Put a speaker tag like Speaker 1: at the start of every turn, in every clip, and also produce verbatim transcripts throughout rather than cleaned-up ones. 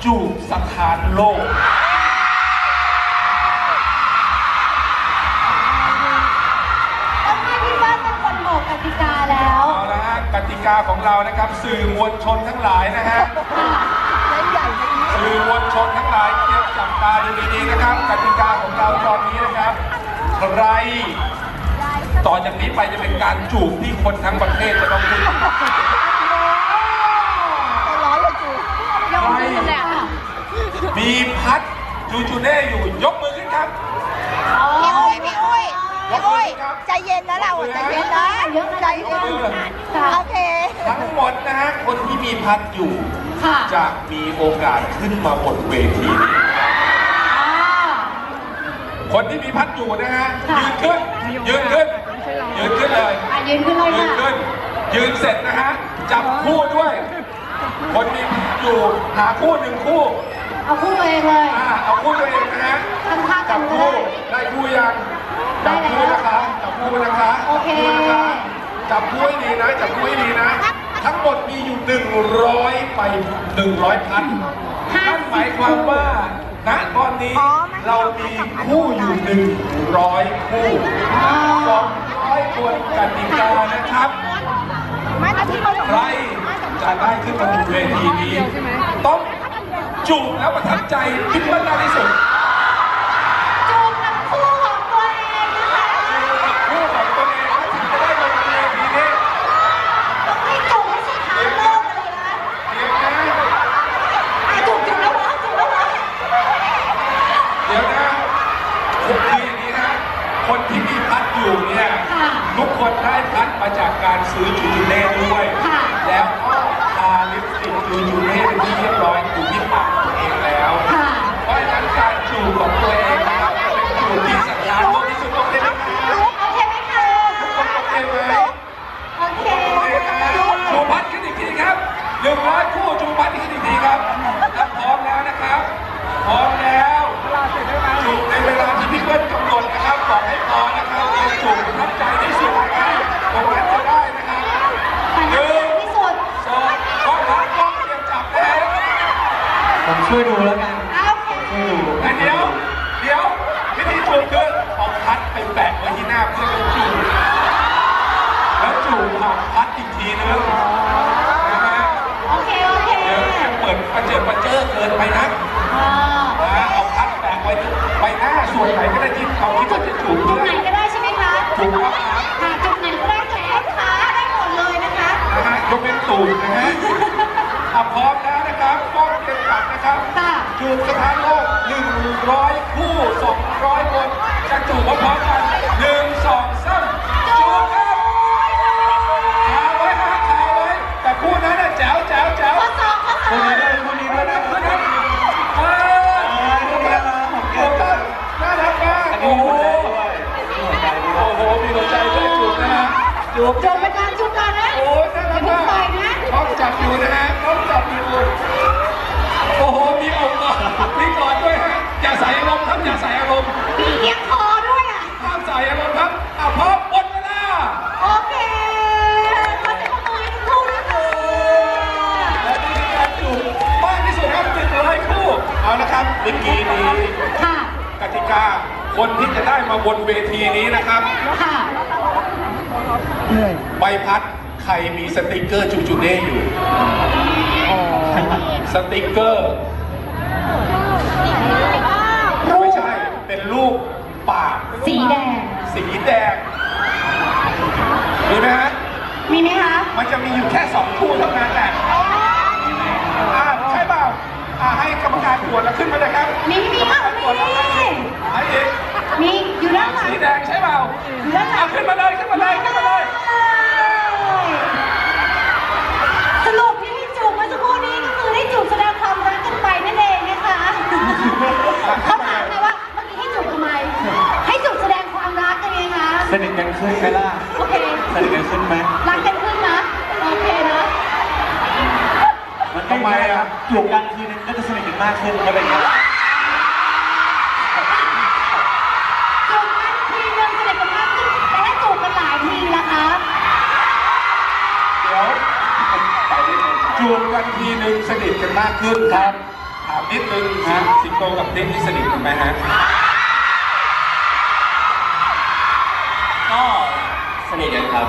Speaker 1: จูบสถานโลก
Speaker 2: ต้องให้พี่ป้าเป็นคนบอกกติกาแล้ว
Speaker 1: เอาละฮะกติกาของเรานะครับสื่อมวลชนทั้งหลายนะฮะสื่อมวลชนทั้งหลายเตรียมจับตาดูดีๆนะครับกติกาของเราตอนนี้นะครับใครต่อจากนี้ไปจะเป็นการจูบที่คนทั้งประเทศจะต้องพูดมีพัดจูจูเน่อยู่ยกมือขึ้นครับ
Speaker 3: พี่อุ้ยพี่อุ้ยพี่อุ้ยใจเย็นนะเราใจเย็นนะใจเย็นโอเค
Speaker 1: ทั้งหมดนะฮะคนที่มีพัดอยู่จะมีโอกาสขึ้นมาบนเวทีนี้คนที่มีพัดอยู่นะฮะยืนขึ้นยืนขึ้นยืนขึ้นเลย
Speaker 2: ยืนขึ้นเลย
Speaker 1: ยืนขึ้นยืนเสร็จนะฮะจับคู่ด้วยคนมีพัดอยู่หาคู่หนึ่งคู่
Speaker 2: เอาคู่ตัวเองเลย
Speaker 1: เอาคู่ตัวเองนะฮะจับคู่ได้คู่ยังจับคู่นะคะจับคู่นะคะ
Speaker 2: โอเค
Speaker 1: จับคู่ให้ดีนะจับคู่ให้ดีนะทั้งหมดมีอยู่หนึ่งร้อยไปหนึ่งร้อยพันนั่นหมายความว่าณตอนนี้เรามีคู่อยู่หนึ่งร้อยคู่สองร้อยคนกติกานะครับใครจะได้ขึ้นมาบนเวทีนี้ต้องจูบแล้วประทับใจคิดว่าน่าที่สุด
Speaker 2: จูบกับคู่ของตัวเองนะคะ
Speaker 1: จูบกับคู่ของตัวเองถึงจะได้มาบนเวทีนี้
Speaker 2: ต้องให้จูบให้สถานโลกเลยนะ
Speaker 1: เดี๋ยวนะ
Speaker 2: จูบจูบแล้วนะจูบแล้วนะ
Speaker 1: เดี๋ยวนะคืออย่างนี้นะคนที่มีพัดอยู่เนี่ยทุกคนได้พัดมาจากการซื้อจูจูเน่ด้วยแล้วก็ทาลิปสติกจูจูเน่เป็นที่เรียบร้อยอยู่ที่ปากตัวเองแล้วเพราะฉะนั้นการจูบของตัวเองนะครับเป็นจูบที่สัญญาณมากที่สุดโอเคไหมครับ
Speaker 2: โอเคไหมคะ
Speaker 1: ทุกคนโอเคไหม
Speaker 2: โอเค
Speaker 1: จูบพัดขึ้นอีกทีครับหนึ่งร้อยคู่จูบพัดขึ้นอีกทีครับพร้อมแล้วนะครับพร้อมแล้วจูบในเวลาที่พี่เปิ้ลกำหนดนะครับบอกให้พอนะครับเป็นจูบประทับใจที่สุดนะครับตรงนั้นจะได้นะครับหนึ่งสองกล้องรับกล้องเตรียมจับแล้ว
Speaker 4: ผมช่วยดูแล้วกันช่วยดู
Speaker 1: แต่เดี๋ยวเดี๋ยววิธีจูบคือเอาพัดไปแปะไว้ที่หน้าเพื่อนจูบแล้วจูบผ่านพัดอีกทีนึงนะฮะ
Speaker 2: โอเคโอเค
Speaker 1: เดี๋ยวจะเปิดประเจิดประเจิดเกินไปนะเอาพัดแปะไว้ใบหน้าส่วนไหนก็ได้ที่เขาคิดว่าจะจูบ
Speaker 2: จุดไหนก็ได้ใช่ไหมคะ
Speaker 1: จูบครับ
Speaker 2: ค่ะจุดไหนก็ได้แขนขาได้หมดเลยนะคะ
Speaker 1: นะฮะยกเป็นตูดนะฮะถ้าพร้อมแล้วนะครับกล้องเตรียมจับนะครับจูบสถานโลกหนึ่งร้อยคู่สองร้อยคนจะจูบพร้อมกันหนึ่งสองสามจูบครับขาไว้ฮะขาไว้แต่คู่นั้นน่ะแจ๋วแจ๋วแจ๋ว
Speaker 2: ข้อสองข้อสอง
Speaker 1: คู่นี้ด้วยคู่นี้ด้วยนะคู่นี้เออคู่นี้น่ารักมากโอ้โหโอ้โหมีหัวใจด้วยจูบนะฮะจูบ
Speaker 2: จูบเป็นการจูบกันนะ
Speaker 1: โอ้ยน่ารักมากต้องจับอยู่นะฮะต้องจับอยู่โอ้โหมีอกกอดมีกอดด้วยฮะอย่าใส่อารมณ์ครับอย่าใส่อารมณ์
Speaker 2: มีเอียงคอด้วยอ่ะ
Speaker 1: ห้ามใส่อารมณ์ครับอ่ะพร้อมหมดเวลา
Speaker 2: โอเคขอเสียงปรบมือให้ทุกคู่นะคะ
Speaker 1: และนี่คือการจูบมากที่สุดครับหนึ่งร้อยคู่เอาละครับเมื่อกี้นี้กติกาคนที่จะได้มาบนเวทีนี้นะครับใบพัดใครมีสติกเกอร์จูจูเน่อยู่สติกเกอร์ไม่ใช่เป็นรูปปาก
Speaker 2: สีแดง
Speaker 1: สีแดงมีไหมฮะ
Speaker 2: มีไหมคะ
Speaker 1: มันจะมีอยู่แค่สองคู่เท่านั้นแหละอ่าใช่เปล่าอ่าให้กรรมการตรวจแล้วขึ้นมาเลยครับ
Speaker 2: มีมีค่ะมี
Speaker 1: ให้เอง
Speaker 2: มีอยู่ด้านหลัง
Speaker 1: สีแดงใช่เปล่า
Speaker 2: อยู่ด้านหลัง
Speaker 1: ขึ้นมาเลยขึ้นมาเลยขึ้นมาเลย
Speaker 2: สรุปที่ให้จูบเมื่อสักครู่นี้ก็คือได้จูบแสดงความรักกันไปนั่นเองนะคะเขาถามไงว่าเมื่อกี้ให้จูบทำไมให้จูบแสดงความรักกันไงคะ
Speaker 4: สนิทกันขึ้นไหมล่ะ
Speaker 2: โอเค
Speaker 4: สนิทกันขึ้นไหม
Speaker 2: รักกันขึ้นนะโอเคนะ
Speaker 4: มันทำไมอ่ะจูบกันทีนึงก็จะสนิทกันมากขึ้นไม่เป็นไร
Speaker 2: จูบกันทีนึงสนิทกันมากขึ้นแต่ถ้าจูบกันหลายทีล่ะคะ
Speaker 1: เดี๋ยวจูบกันทีนึงสนิทกันมากขึ้นครับถามนิดนึงสิงโตกับคริสที่สนิทกันไหมฮะ
Speaker 5: ก็สนิทกันครับ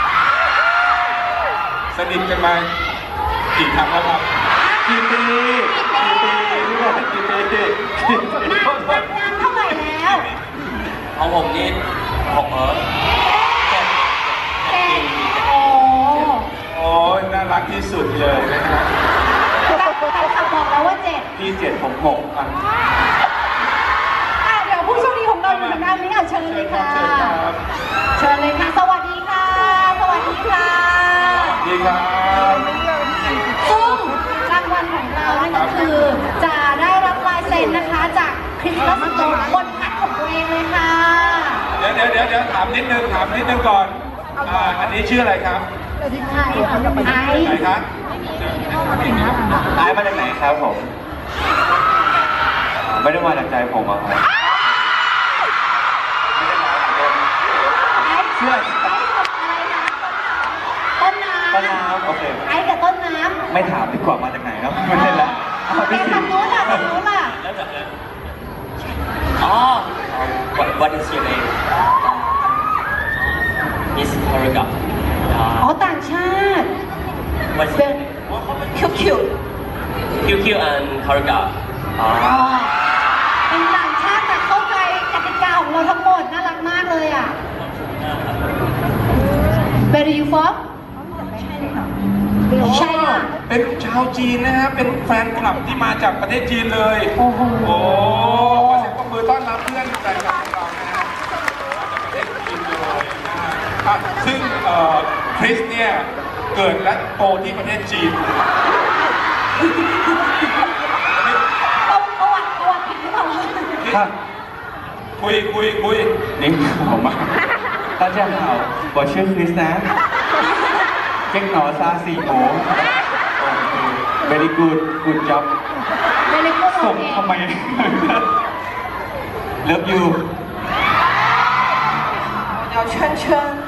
Speaker 1: สนิทกันมากี่ครั้งแล้วครับ
Speaker 4: กี่ปีกี่ปีนี่บอกกี่ปีกี่ปี
Speaker 2: แต่งงานเท่าไหร่แล้ว
Speaker 5: ของผมนี่หกเออเจ็ด
Speaker 2: เจ็ดโอ้
Speaker 1: โอ้ยน่ารักที่สุดเลยนะฮะ
Speaker 2: แต่แต่ขับบอกแล้วว่าเจ็ด
Speaker 4: พี่เจ็ดผมหกอ่ะ
Speaker 2: อ่ะเดี๋ยวผู้โชคดีของเราอยู่ทางด้านนี้อ่ะเชิญเลยค่ะ
Speaker 1: เชิญครับ
Speaker 2: เชิญเลยค่ะ สวัสดีค่ะ สวัสดีค่ะ
Speaker 1: ดีครับ
Speaker 2: ซึ่งรางวัลของเรานั่นก็คือ จะได้รับลายเซ็นนะคะจากคริสตัสโตบนพัดของตัวเองเลยค่ะ
Speaker 1: เดี๋ยวเดี๋ยวเดี๋ยวเดี๋ยวถามนิดนึงถามนิดนึงก่อนอ่าอันนี้ชื่ออะไรครับ
Speaker 2: ไอไอ
Speaker 1: ไหนครับ
Speaker 4: ตายมาจากไหนครับผม ไม่ได้มาจากใจผมอ่ะครับไม่ได้มาจากใจผม
Speaker 2: ไอ
Speaker 4: เชื่อ
Speaker 2: ไอกับอะไรนะต้นน้ำ
Speaker 4: ต้นน้ำโอเค
Speaker 2: ไอกับต้นน้ำ
Speaker 4: ไม่ถามดีกว่ามาจากไหนแล้วไม่ได้ละเอา
Speaker 2: เป็
Speaker 4: พี่
Speaker 2: น
Speaker 4: สิ
Speaker 2: ทางโน้นล่ะทางโน้นล่ะ
Speaker 5: แล้วจากนั้นอ๋อ what what is your name Miss Haruka
Speaker 2: อ๋อต่างชาติ
Speaker 5: what's
Speaker 2: เป็
Speaker 5: your
Speaker 2: น
Speaker 5: name
Speaker 2: คิวคิว
Speaker 5: Q Q and Haruka อ๋อ
Speaker 2: อ๋อเป็นต่างชาติแต่เข้าใจกติกาของเราทั้งหมดน่ารักมากเลยอ่ะ Where are you from ใช่ค่ะ
Speaker 1: เป็นชาวจีนนะฮะ เป็นแฟนคลับที่มาจากประเทศจีนเลย
Speaker 2: โอ้โห
Speaker 1: โอ้ขอเสียงปรบมือต้อนรับเพื่อนแฟนคลับของเรานะฮะจากประเทศจีนเลยนะฮะอ่ะซึ่งเอ่อคริสเนี่ยเกิดและโตที่ประเทศจีน
Speaker 2: ประวัติประวัติผิดหรือเปล่า
Speaker 4: ครับ
Speaker 1: คุยคุยคุย
Speaker 4: นี่ผมมา大家好我ชื่อคริสนะเก่งหนอซาสีโห very good good job
Speaker 2: เมลิโกโอ
Speaker 4: ส่ง
Speaker 2: เค
Speaker 4: ทำไม love you
Speaker 3: 要圈圈。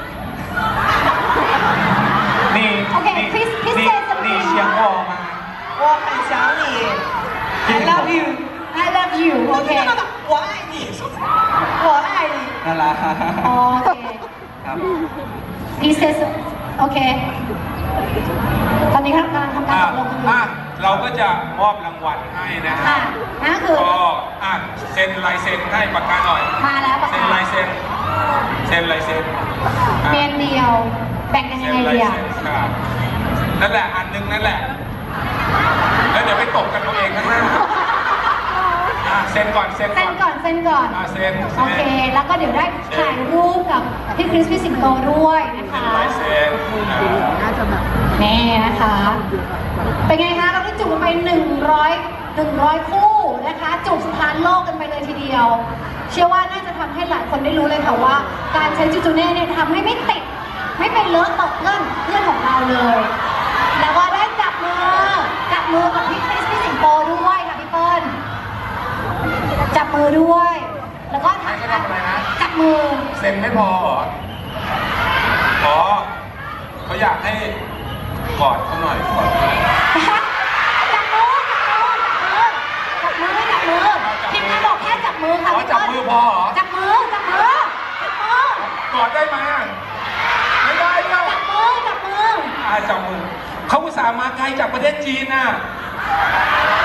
Speaker 4: นี่
Speaker 2: โอเค
Speaker 4: นี่
Speaker 2: คริสคริส
Speaker 4: นี่
Speaker 2: เซนส
Speaker 4: นี่
Speaker 2: ปี
Speaker 4: เชียงวอมา
Speaker 3: 我很想你，I love you，
Speaker 2: I love you โอเค
Speaker 3: 我爱你，我爱你。
Speaker 4: น่ารัก
Speaker 2: อ๋อโอเค
Speaker 4: ครับ
Speaker 2: he says โอเค ตอนนี้กำลังทำการ
Speaker 1: อ่ะ
Speaker 2: ตกลงกันอยู่
Speaker 1: อ่ะเราก็จะมอบรางวัลให้นะฮะ
Speaker 2: ค่ะนั่นก็คือ
Speaker 1: ก็อ่ะเซ็นลายเซ็นให้ปากกาหน่อย
Speaker 2: มาแล้วปะ
Speaker 1: เซ็นลายเซ็นเซ็นลายเซ็นอ่ะ
Speaker 2: เมนเดียว แบ่งกันยั
Speaker 1: เซ็
Speaker 2: ง
Speaker 1: น
Speaker 2: ไง
Speaker 1: ลาย
Speaker 2: ดีอ่ะ
Speaker 1: เซ็นครับนั่นแหละอันหนึงนั่นแหละ แล้วเดี๋ยวไปตกกันเอาเองนะฮะอ่ะเซ็นก่อนเซ็น
Speaker 2: เซ็น
Speaker 1: ก่
Speaker 2: ก่
Speaker 1: อ
Speaker 2: อน นเซ็นก่อน
Speaker 1: อ่ะเซ็น
Speaker 2: โอเค แล้วก็เดี๋ยวได้ถ่ายรูปกับพี่คริสพี่สิงโตด้วยนะคะ
Speaker 1: ลายเซ็นอ่ะ
Speaker 2: นี่นะคะ เป็นไงคะ เราได้จูบกันไปหนึ่งร้อยหนึ่งร้อยคู่นะคะ จูบสถานโลกกันไปเลยทีเดียว เชื่อว่าน่าจะทำให้หลายคนได้รู้เลยค่ะว่า การใช้จูจูเน่เนี่ยทำให้ไม่ติด ไม่เป็นเลอะตกเพื่อนเพื่อนของเราเลย แล้วก็ได้จับมือ จับมือกับพี่คริสพี่สิงโตด้วยค่ะพี่เปิ้ล จับมือด้วย แล้วก็ถ่ายจับมือ
Speaker 1: เซ็นไม่พอเหรออ๋อเขาอยากให้กอดเขาหน่อยกอดเขาหน่อย
Speaker 2: จับมือ จับมือ จับมือ จับมือทีมงานบอกแค่จับมือค่ะ
Speaker 1: อ๋อ
Speaker 2: พี่
Speaker 1: จับ
Speaker 2: เปิ้ล
Speaker 1: มือพอเหรอ
Speaker 2: จับมือ จับมือ จับมือ
Speaker 1: กอดได้ไหมอ่ะไม่ได้เปล่า
Speaker 2: จับมือ จับมือ
Speaker 1: อ่าจับมือเขาอุตส่าห์มาไกลจากประเทศจีนน่ะโอ้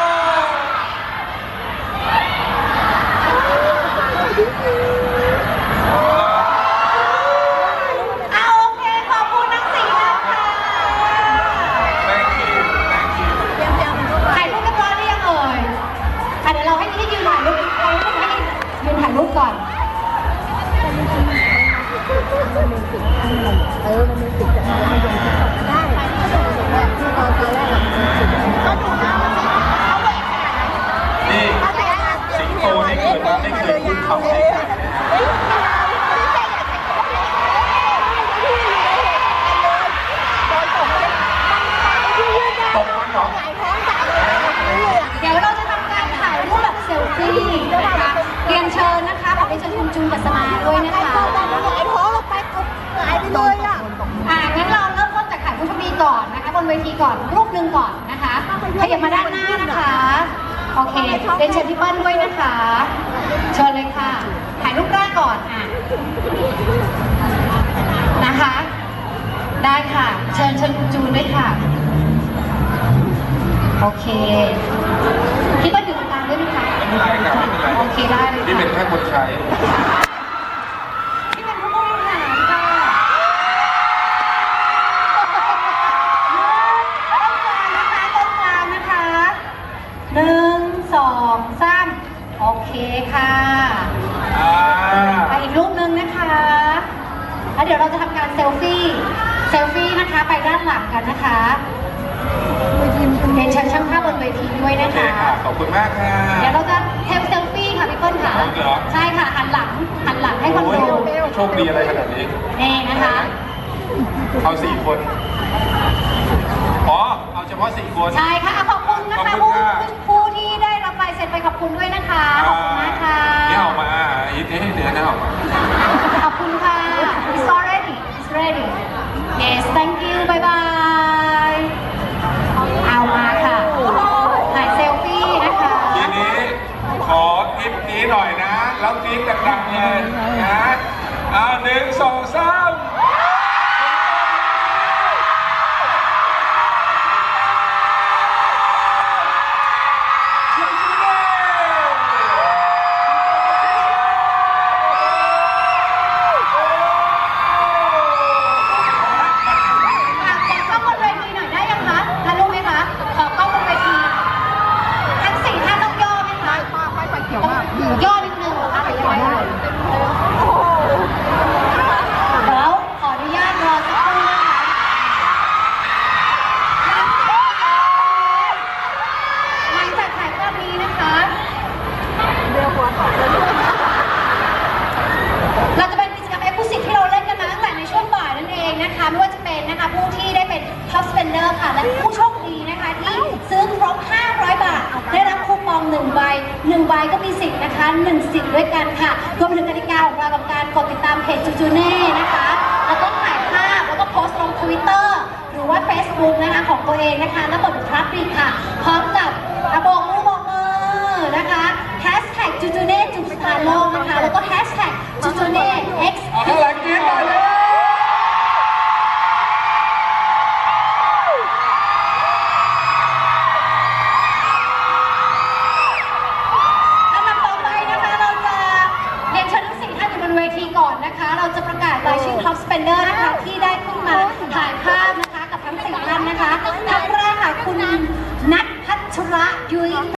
Speaker 2: เอาโอเค ขอบคุณทั้งสี่ท่านค่ะ
Speaker 1: thank you thank you
Speaker 2: ถ่ายรูปเรียบร้อยหรือยังเอ่ยอ่ะเดี๋ยวเราให้ที่ยืนถ่ายรูปเราให้ที่ยืนถ่ายรูปก่อน
Speaker 1: นี่สิงโตนี่เกิดมาไม่เคยพูดคำใส่ใครนะฮะตกมันเหรอ
Speaker 2: เดี๋ยวเราจะทำการถ่ายรูปแบบเซลฟี่นะคะเรียนเชิญนะคะขอไปเชิญคุณจูนกัสมาด้วยนะคะ
Speaker 3: ไอ้ท้องลงไปปุ๊บหายไปเลยอ่ะ
Speaker 2: อ่างั้นเราเริ่มต้นจากถ่ายผู้โชคดีก่อนนะคะบนเวทีก่อนรูปหนึ่งก่อนนะคะขยับมาด้านหน้านะคะโอเคเรียนเชิญพี่เปิ้ลด้วยนะคะ เชิญเลยค่ะ ถ่ายรูปแรกก่อนอ่ะนะคะ ได้ค่ะ เชิญเชิญคุณจูนด้วยค่ะ โอเค พี่เปิ้ลอยู่ตรงกลางด้วยไหมคะ
Speaker 1: ไม่เป็นไรครับไม่เป็นไร
Speaker 2: โอเคได้เลย
Speaker 1: นี่เป็น
Speaker 2: ค่ะ
Speaker 1: แค่คนใช้
Speaker 2: ที่เป็นผู้บริหารค่ะต้นกลางนะคะต้นกลางนะคะหนึ่งสองสามโอเคค่ะ
Speaker 1: อ่า
Speaker 2: ไปอีกรูปหนึ่งนะคะแล้วเดี๋ยวเราจะทำการเซลฟี่ เซลฟี่นะคะ ไปด้านหลังกันนะคะเรียนเชิญช่างภาพบนเวทีด้วย
Speaker 1: โอ
Speaker 2: นะ
Speaker 1: เค
Speaker 2: คะ
Speaker 1: ค่ะ ขอบคุณมากค่ะ
Speaker 2: เดี๋ยวเราจะเทปเซลฟี่ค่ะพี่เปิ้ลค่ะ
Speaker 1: เหรอ
Speaker 2: ใช่ค่ะหันหลังหันหลังให้คน
Speaker 1: โอ้ย
Speaker 2: ดู
Speaker 1: โชคดีอะไรขนาดนี้
Speaker 2: นี่นะคะ
Speaker 1: เอาสี่คน อ๋อ เอาเฉพาะสี่คน
Speaker 2: ใช่ค่ะอ่ะขอบคุณนะ
Speaker 1: ขอบ
Speaker 2: คะ
Speaker 1: คุณ
Speaker 2: ผู้
Speaker 1: ค่ะ
Speaker 2: ผู้ที่ได้รับลายเซ็นไปขอบคุณด้วยนะคะ ขอบคุณมากค่ะ
Speaker 1: นี่ออกมาอีทให้เนื้อนี่ออกมา
Speaker 2: ขอบคุณค่ะ it's already it's ready yes thank you bye bye เอามาค่ะถ่ายเซลฟี่นะคะ
Speaker 1: ทีนี้ขอคลิปนี้หน่อยนะ แล้วกรี๊ดดังๆเลยนะอ่าหนึ่งสองสาม
Speaker 2: อ่ะขอกล้องบนเวทีหน่อยได้ยังคะทันรู้ไหมคะ ขอกล้องบนเวทีทั้งสี่ท่านต้องย่อไหมคะย่อนิดนึงเหรอคะหรือยังไงเอ่ยเดี๋ยวขออนุญาตรอสักครู่นะคะ หลังจากถ่ายภาพนี้นะคะ เราจะเป็นกิจกรรม Exclusive ที่เราเล่นกันมาตั้งแต่ในช่วงบ่ายนั่นเองนะคะ ไม่ว่าจะเป็นนะคะผู้ที่ได้เป็น Top Spender ค่ะ และผู้โชคดีนะคะที่ซื้อครบ ห้าร้อย บาท ได้รับคูปองหนึ่งใบหนึ่งใบก็มีสิทธิ์นะคะหนึ่งสิทธิ์ด้วยกันค่ะรวมถึงกติกาของเรากับการกดติดตามเพจจูจูเน่นะคะ แล้วก็ถ่ายภาพแล้วก็โพสต์ลง Twitter หรือว่า Facebook นะคะของตัวเองนะคะ แล้วกดทรับอีกค่ะ พร้อมกับกระบอกมือบอกมือนะคะแฮชแท็กจูจูเน่จุดสตาร์โลกนะคะ แล้วก็แฮชแท็กจูจูเน่ X
Speaker 1: เอาข้างหลังกรี๊ดหน่อยเลย
Speaker 2: ลำดับต่อไปนะคะเราจะเรียนเชิญทั้งสี่ท่านอยู่บนเวทีก่อนนะคะ เราจะประกาศรายชื่อ Top Spender นะคะที่ได้ขึ้นมาถ่ายภาพนะคะกับทั้งสี่ท่านนะคะท่านแรกค่ะคุณนัทพัชระยุ้ย